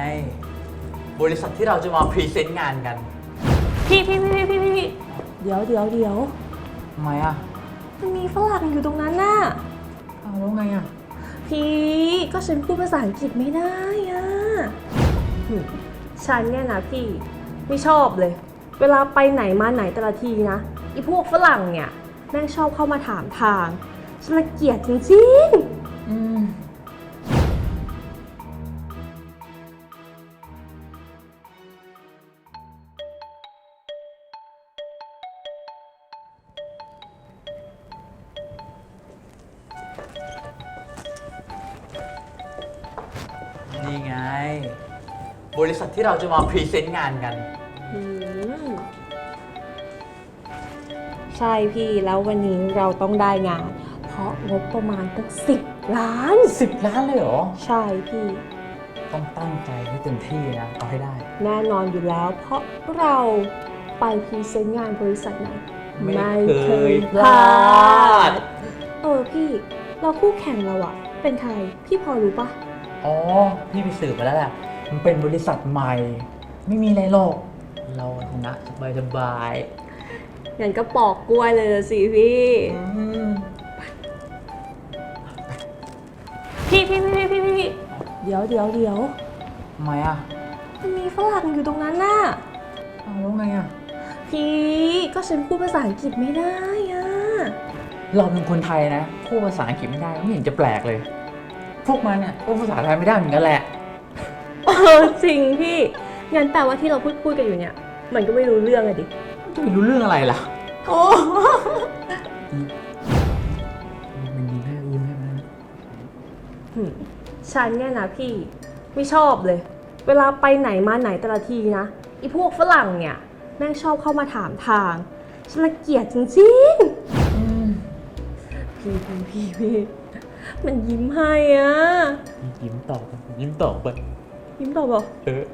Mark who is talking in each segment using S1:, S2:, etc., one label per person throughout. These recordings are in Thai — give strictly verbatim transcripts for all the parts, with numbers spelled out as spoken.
S1: บริษัทที่เราจะมาพรีเซนต์งานกัน
S2: พี่พี่พี่พี่พี่พี่เดี๋ยวเดี๋ยวเดี๋ยว
S1: ทำไมอ่ะ
S2: มันมีฝรั่งอยู่ตรงนั้นน่ะ
S1: เอาแล้วไงอ่ะ
S2: พี่ก็ฉันพูดภาษาอังกฤษไม่ได้อ่ะฉันเนี่ยนะพี่ไม่ชอบเลยเวลาไปไหนมาไหนแต่ละทีนะไอ้พวกฝรั่งเนี่ยแม่งชอบเข้ามาถามทางฉันละเกียดจริงๆอืม
S1: นี่ไงบริษัทที่เราจะมาพรีเซนต์งานกัน
S2: ใช่พี่แล้ววันนี้เราต้องได้งานเพราะงบประมาณตั้งสิบล้าน
S1: สิบล้านเลยเหรอ
S2: ใช่พี่
S1: ต้องตั้งใจให้เต็มที่นะเอาให้ได้
S2: แน่นอนอยู่แล้วเพราะเราไปพรีเซนต์งานบริษัทไหน
S1: ไม่เคยพลาด
S2: เออพี่เราคู่แข่งเราอะเป็นใครพี่พอรู้ปะ
S1: อ๋อพี่ไปสืบมาแล้วแหละมันเป็นบริษัทใหม่ไม่มีอะไรหรอกเราชนะสบายสบาย
S2: งั้นก็ปอกกล้วยเลยสิพี่พี่พี่พี่พี่พี่เดี๋ยวเดี๋ยวเดี๋ยว
S1: ทำไมอ่ะ
S2: มันมีฝรั่งอยู่ตรงนั้นน่ะ
S1: เอาแล้วไงอ่ะ
S2: พี่ก็ฉันพูดภาษาอังกฤษไม่ได้อ่ะ
S1: เราเป็นคนไทยนะพูดภาษาอังกฤษไม่ได้ไม่เห็นจะแปลกเลยพวกมันเนี่ยพูดภาษาไทยไม่ได้เหมือนกันแหละ
S2: เออจริงพี่งั้นแปลว่าที่เราพูดพูดกันอยู่เนี่ยมันก็ไม่รู้เรื่องอะดิ
S1: จะไม่รู้เรื่องอะไรล่ะ
S2: โอ้
S1: มันยิงให้ยิงให้มัน
S2: ฉันเนี่ยนะพี่ไม่ชอบเลยเวลาไปไหนมาไหนแต่ละทีนะไอ้พวกฝรั่งเนี่ยแม่งชอบเข้ามาถามทางฉันละเกียดจริงๆพี่พี่พี่พี่มันยิ้มให้อ่ะ
S1: ยิ้มตอบยิ้มตอบไป
S2: ยิ้มตอบบอก
S1: เออ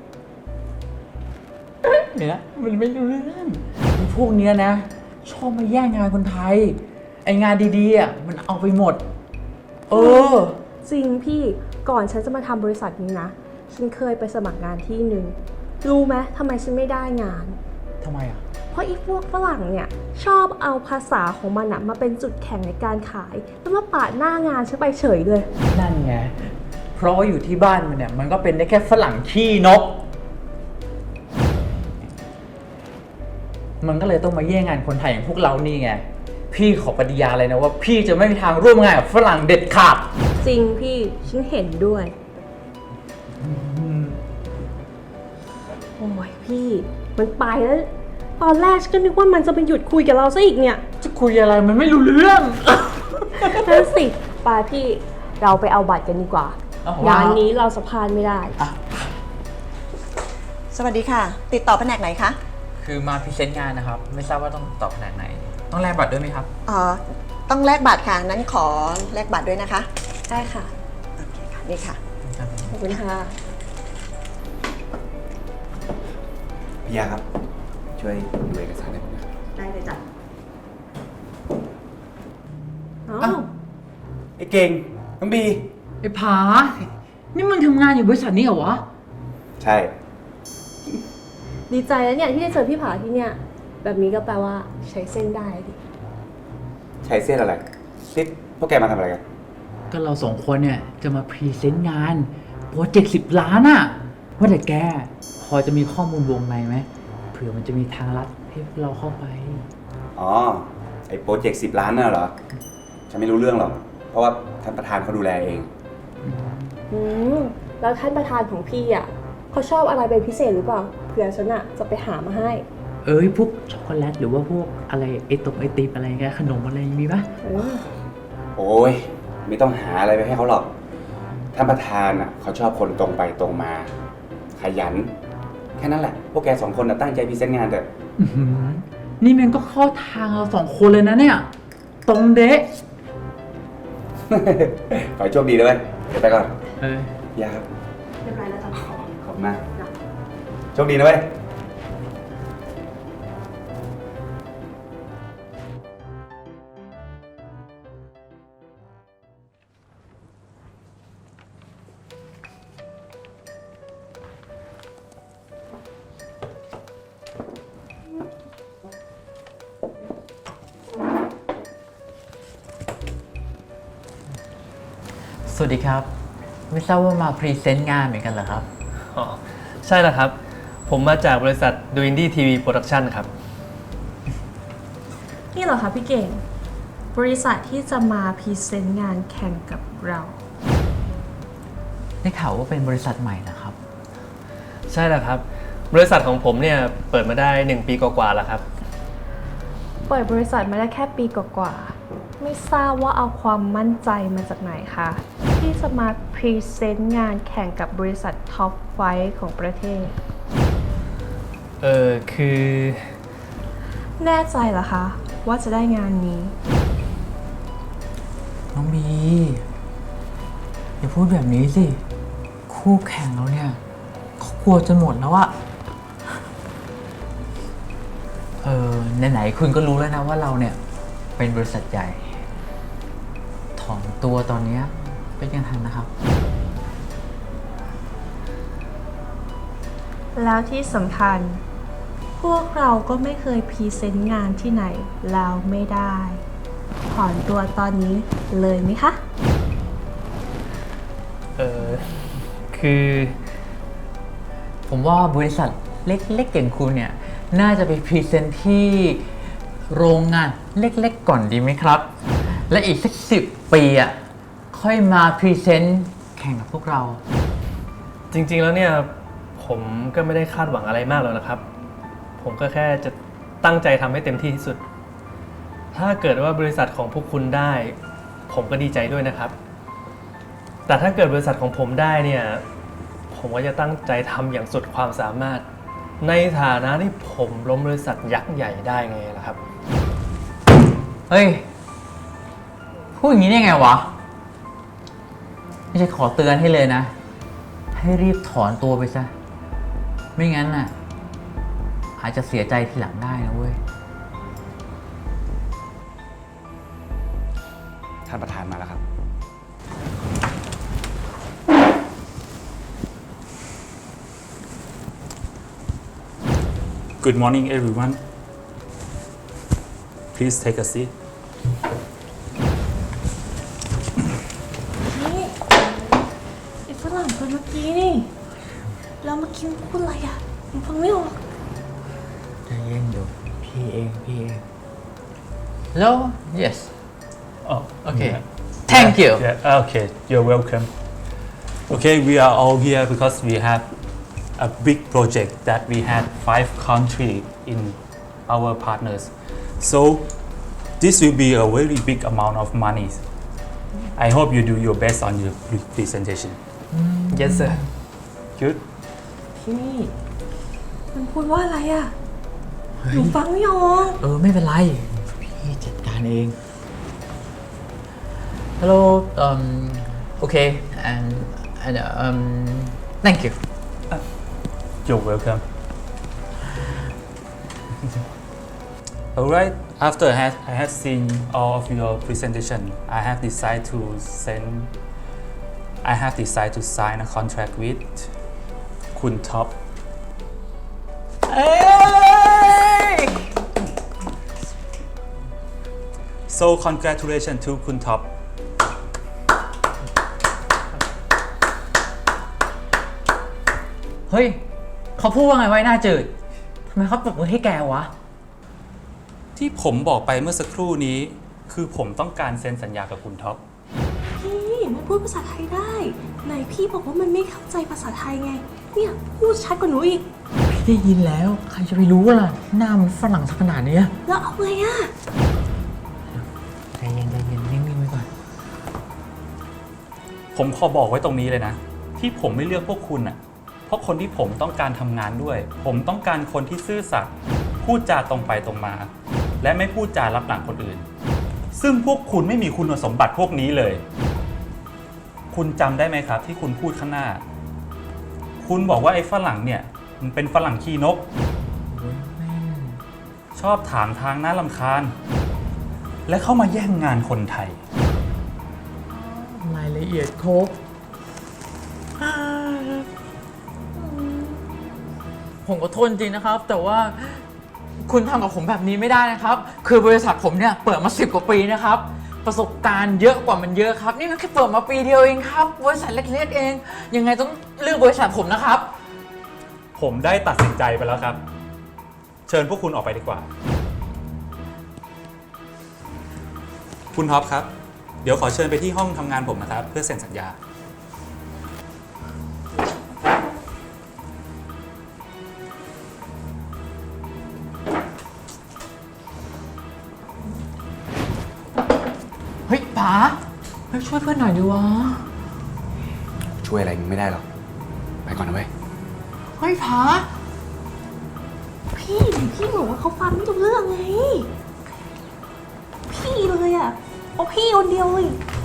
S1: เนี่ยมันไม่รู้เรื่องพวกเนี้ยนะชอบมาแย่งงานคนไทยไองานดีๆอ่ะมันเอาไปหมดเออ
S2: จริงพี่ก่อนฉันจะมาทำบริษัทนี้นะฉันเคยไปสมัครงานที่หนึ่งรู้ไหมทำไมฉันไม่ได้งาน
S1: ทำไมอ่ะ
S2: เพราะอีพวกฝรั่งเนี่ยชอบเอาภาษาของมันมาเป็นจุดแข็งในการขายแล้วมาปาดหน้างานฉันไปเฉยเลย
S1: นั่นไงเพราะว่าอยู่ที่บ้านมันเนี่ยมันก็เป็นได้แค่ฝรั่งขี้นกมันก็เลยต้องมาแย่งงานคนไทยอย่างพวกเรานี่ไงพี่ขอปฏิญาเลยนะว่าพี่จะไม่มีทางร่วมงานกับฝรั่งเด็ดขาด
S2: จริงพี่ฉันเห็นด้วยโอ้ยพี่มันไปแล้วตอนแรกฉันก็นึกว่ามันจะไปหยุดคุยกับเราซะอีกเนี่ย
S1: จะคุยอะไรมันไม่รู้เรื่อง
S2: นั่นสิไปพี่เราไปเอาบัตรกันดีกว่างานนี้เราสะพานไม่ได้
S3: สวัสดีค่ะติดต่อแผนกไหนคะ
S1: คือมาพรีเซนต์งานนะครับไม่ทราบว่าต้องตอบแผนกไหนต้องแลกบัตรด้วยไหมครับ
S3: อ๋อต้องแลกบัตรค่ะนั้นขอแลกบัตรด้วยนะคะ
S2: ได้ค่ะ
S3: โอเคค่ะนี่ค่ะ
S2: ขอบคุณค่ะ
S4: พี่ยาครับช่วยดูเอกสารให้ผมหน่อย
S2: ได้เลยจ้ะ
S4: อ้าวไอ้เก่งน้องบี
S1: ไอ้ผานี่มึงทำงานอยู่บริษัทนี้เหรอวะ
S4: ใช่
S2: ดีใจแล้วเนี่ยที่ได้เจอพี่ผาที่เนี่ยแบบนี้ก็แปลว่าใช้เส้นได้ดิ
S4: ใช้เส้นอะไรซิดพวกแกมาทำอะไรกัน
S1: ก็เราสองคนเนี่ยจะมาพรีเซนต์งานโปรเจกต์สิบล้านอะว่าแต่แกพอจะมีข้อมูลวงในไหมเผื่อมันจะมีทางลัดให้เราเข้าไป
S4: อ๋อไอ้โปรเจกต์สิบล้านน่ะเหรอฉันไม่รู้เรื่องหรอกเพราะว่าท่านประธานเขาดูแลเอง
S2: อืมแล้วท่านประธานของพี่อ่ะเขาชอบอะไรเป็นพิเศษหรือเปล่าเผื่อฉันอ่ะจะไปหามาให้
S1: เอ้ยพวกช็อกโกแลตหรือว่าพวกอะไรไอตกไอติมอะไรเงี้ยขนมอะไรมีปะ
S4: โอ้ยไม่ต้องหาอะไรไปให้เขาหรอกท่านประธานอ่ะเขาชอบคนตรงไปตรงมาขยันแค่นั้นแหละพวกแกสองคนน่ะตั้งใจพรีเซนต์งานเถอะ
S1: นี่มันก็เข้าทางเราสองคนเลยนะเนี่ยตรงเดะ
S4: ขอให้โชคดีด้วยเดี๋ยวไปก่อน
S1: เอ
S4: อยาครับ
S2: เรียบร้อยแล้วจ้ะ
S4: ขอบคุณมากโชคดีนะเว้ย
S1: สวัสดีครับ ไม่ทราบว่ามาพรีเซนต์งานเหมือนกันเหรอครับ
S5: อ๋อใช่แล้วครับ ผมมาจากบริษัท ดู อินดี้ ที วี Production ครับ
S2: นี่เหรอคะพี่เก่ง บริษัทที่จะมาพรีเซนต์งานแข่งกับเรา
S1: ได้ข่าวว่าเป็นบริษัทใหม่นะครับ
S5: ใช่แล้วครับ บริษัทของผมเนี่ยเปิดมาได้หนึ่งปีกว่าๆแล้วครับ
S2: เปิดบริษัทมาได้แค่ปีกว่าๆไม่ทราบว่าเอาความมั่นใจมาจากไหนคะที่จะมาพรีเซนต์งานแข่งกับบริษัทท็อปไฟว์ของประเทศ
S5: เออคือ
S2: แน่ใจเหรอคะว่าจะได้งานนี้
S1: น้องบีอย่าพูดแบบนี้สิ คู่แข่งเราเนี่ยเขากลัวจนหมดแล้วอะเออไหนๆคุณก็รู้แล้วนะว่าเราเนี่ยเป็นบริษัทใหญ่ ถอนตัวตอนเนี้ยเป็นยังทันนะครับ
S2: แล้วที่สำคัญ พวกเราก็ไม่เคยพรีเซนต์งานที่ไหนแล้วไม่ได้ ถอนตัวตอนนี้เลยไหมคะ
S5: เออคือ
S1: ผมว่าบริษัทเล็กๆอย่างคุณเนี่ยน่าจะไปพรีเซนต์ที่โรงงานเล็กๆก่อนดีไหมครับ และอีกสักสิบปีอ่ะค่อยมาพรีเซนต์แข่งกับพวกเรา
S5: จริงๆแล้วเนี่ยผมก็ไม่ได้คาดหวังอะไรมากแล้วนะครับ ผมก็แค่จะตั้งใจทำให้เต็มที่ที่สุด ถ้าเกิดว่าบริษัทของพวกคุณได้ ผมก็ดีใจด้วยนะครับ แต่ถ้าเกิดบริษัทของผมได้เนี่ยผมก็จะตั้งใจทำอย่างสุดความสามารถ ในฐานะที่ผมล้มบริษัทยักษ์ใหญ่ได้ไงล่ะครับ
S1: เฮ้ย พูดอย่างนี้ได้ไงวะ ไม่ใช่ขอเตือนให้เลยนะ ให้รีบถอนตัวไปซะ ไม่งั้นน่ะ อาจจะเสียใจทีหลังได้นะเว้ย
S4: ท่านประธานมาแล้วครับ
S6: Good morning, everyone. Please take a seat.
S2: นี่ไอ้ฝรั่งคนเมื่อกี้นี่ แล้วเมื่อกี้มันพูดอะไรอ่ะผมฟังไม่ออก
S1: ใจเย็นเดี๋ยวพี่เองพี่เองแล้ว yes
S6: Oh,
S1: okay
S6: yeah.
S1: thank you
S6: Yeah, okay, you're welcome. Okay, we are all here because we have a big project that we had five countries in our partners. So this will be a very big amount of money. I hope you do your best on your pre- presentation.
S5: yes sir
S6: Good.
S2: ที่นี่ มันพูดว่าอะไรอ่ะหนูฟังไม่ออก
S1: เออ ไม่เป็นไร พี่จัดการเอง hello um okay and and um thank you
S6: You're welcome. Alright, after I had, I had seen all of your presentation, I have decided to send, I have decided to sign a contract with Kun Top.
S1: เอ้ย
S6: So congratulations to Kun Top.
S1: เฮ้ย เขาพูดว่าไงไว้หน้าจืด ทำไมเขาปรบมือให้แกวะ
S6: ที่ผมบอกไปเมื่อสักครู่นี้ คือผมต้องการเซ็นสัญญากับคุณท็อป
S2: พี่มันพูดภาษาไทยได้ ไหนพี่บอกว่ามันไม่เข้าใจภาษาไทยไง เนี่ยพูดชัดกว่าหนูอีก
S1: พี่ได้ยินแล้ว ใครจะไปรู้ล่ะ หน้ามันฝรั่งสักขนาดเนี้ย
S2: แล้วเอาไงอ่ะ
S1: ใจเย็นใจเย็นนิ่งๆไว้ก่อน
S6: ผมขอบอกไว้ตรงนี้เลยนะ ที่ผมไม่เลือกพวกคุณอ่ะ เพราะคนที่ผมต้องการทำงานด้วย ผมต้องการคนที่ซื่อสัตย์พูดจาตรงไปตรงมา และไม่พูดจารับหลังคนอื่น ซึ่งพวกคุณไม่มีคุณสมบัติพวกนี้เลย คุณจำได้ไหมครับ ที่คุณพูดข้างหน้า คุณบอกว่าไอ้ฝรั่งเนี่ยมันเป็นฝรั่งขี้นก ชอบถามทางน่ารำคาญ และเข้ามาแย่งงานคนไทย
S1: รายละเอียดครบ ผมขอโทษจริงนะครับ แต่ว่าคุณทำกับผมแบบนี้ไม่ได้นะครับ คือบริษัทผมเนี่ยเปิดมาสิบกว่าปีนะครับประสบการณ์เยอะกว่ามันเยอะครับ นี่มันแค่เปิดมาปีเดียวเองครับบริษัทเล็กๆเอง ยังไงต้องเลือกบริษัทผมนะครับ
S6: ผมได้ตัดสินใจไปแล้วครับ เชิญพวกคุณออกไปดีกว่า คุณท็อปครับ เดี๋ยวขอเชิญไปที่ห้องทำงานผมนะครับ เพื่อเซ็นสัญญา
S1: เฮ้ยป๋าเฮ้ยช่วยเพื่อนหน่อยดิวะ
S4: ช่วยอะไรมึงไม่ได้หรอก ไปก่อนนะเว้ย
S1: เฮ้ยป๋า
S2: พี่พี่บอกว่าเขาฟังไม่รู้เรื่องไง พี่เลยอะเอาพี่คนเดียวเลย